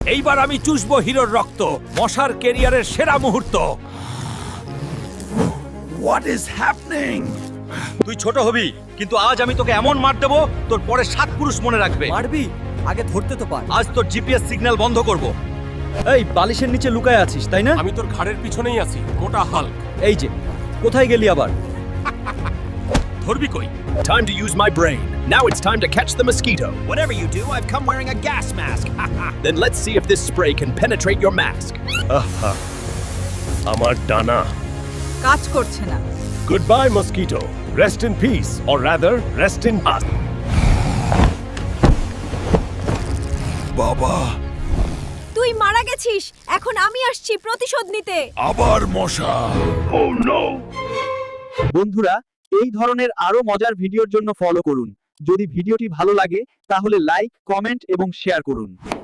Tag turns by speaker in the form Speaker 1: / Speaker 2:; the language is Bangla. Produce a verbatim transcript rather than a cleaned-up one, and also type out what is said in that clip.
Speaker 1: এইবার আমি চুষবো হিরোর রক্ত, মশার ক্যারিয়ারের সেরা মুহূর্ত।
Speaker 2: What is happening?
Speaker 3: তুই ছোট হবি, কিন্তু আজ আমি তোকে এমন মার দেবো তোর পরে সাত পুরুষ মনে রাখবে।
Speaker 4: মারবি? আগে ধরতে তো পার।
Speaker 3: আজ তোর জিপিএস সিগন্যাল বন্ধ করব। এই বালিশের নিচে লুকায় আছিস তাই না?
Speaker 1: আমি তোর ঘাড়ের পিছনেই আছি, মোটা হাল্ক।
Speaker 3: এই যে, কোথায় গেলি আবার?
Speaker 1: ধরবি কই?
Speaker 2: Time to use my brain. Now it's time to catch the mosquito.
Speaker 5: Whatever you do, I've come wearing a gas mask.
Speaker 2: Then let's see if this spray can penetrate your mask.
Speaker 6: আমার ডানা।
Speaker 7: কাজ করছে না।
Speaker 6: Goodbye mosquito. Rest in peace, or rather, rest in us.
Speaker 2: বাবা,
Speaker 7: তুই মারা গেছিস, এখন আমি আসছি প্রতিশোধ নিতে।
Speaker 2: আবার মশা।
Speaker 6: Oh no!
Speaker 4: বন্ধুরা, এই ধরনের আরো মজার ভিডিওর জন্য ফলো করুন। যদি ভিডিওটি ভালো লাগে তাহলে লাইক, কমেন্ট এবং শেয়ার করুন।